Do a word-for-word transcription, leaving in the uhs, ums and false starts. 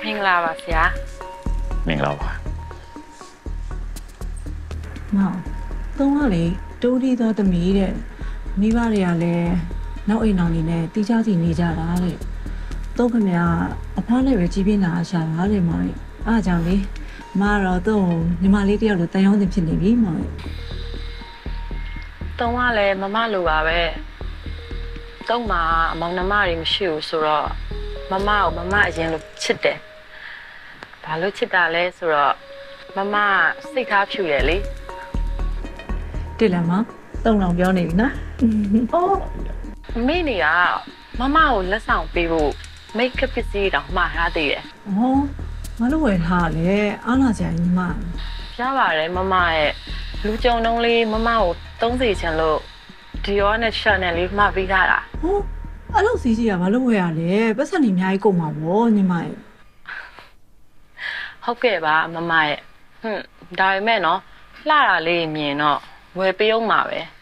မင်္ဂလာပါဆရာမင်္ဂလာပါမောင်သုံးကလေတိုးဒီသောသမီးတဲ့မိဘတွေကလည်းနောက်အိမ်အောင်နေနဲ့တီးခြားစီနေကြတာတဲ့သုံးခမရအဖွားနဲ့ပဲကြီးပြင်းလာရှာတာတဲ့မောင်အားကြောင့်လေမတော့သုံးညီမလေးတယောက်လိုတန်ရောင်းတင်ဖြစ်နေပြီမောင်သုံးကလည်းမမလိုပါပဲသုံးမှာအမောင်နှမတွေမရှိဘူးဆိုတော့မမကိုမမအရင်လိုချစ်တယ်ဘာလို့ချစ်တာလဲဆိုတော့မမစိတ်ထားဖြူတယ်လေတွေ့လားမောင်သုံးလောင်ပြောနေပြီနော်အိုးမိနေကမမကိုလက်ဆောင်ပေးဖို့မိတ်ကပ်ပစ္စည်းတောင်မှားထားသေးတယ်ဟောမလို့ဝယ်ထားလေအားလာကြညီမရပါတယ်မမရဲ့လူကြုံတုံးလေးမမကိုသုံးစီချင်လို့ဒီရောနဲ့ရှာနယ်လေးမှာပေးထားတာဟောအဲ့လိုစီးကြီးကမလို့ဝယ်ရလေပတ်စံနေအများကြီးကုန်ပါဗောညီမရဲ့ဟုတ်ကဲ့ပါမမရဲ့ဟွန်းဒါပေမဲ့နော်လှတာလေးမြင်တော့ဝယ်ပေးအောင်ပါပဲ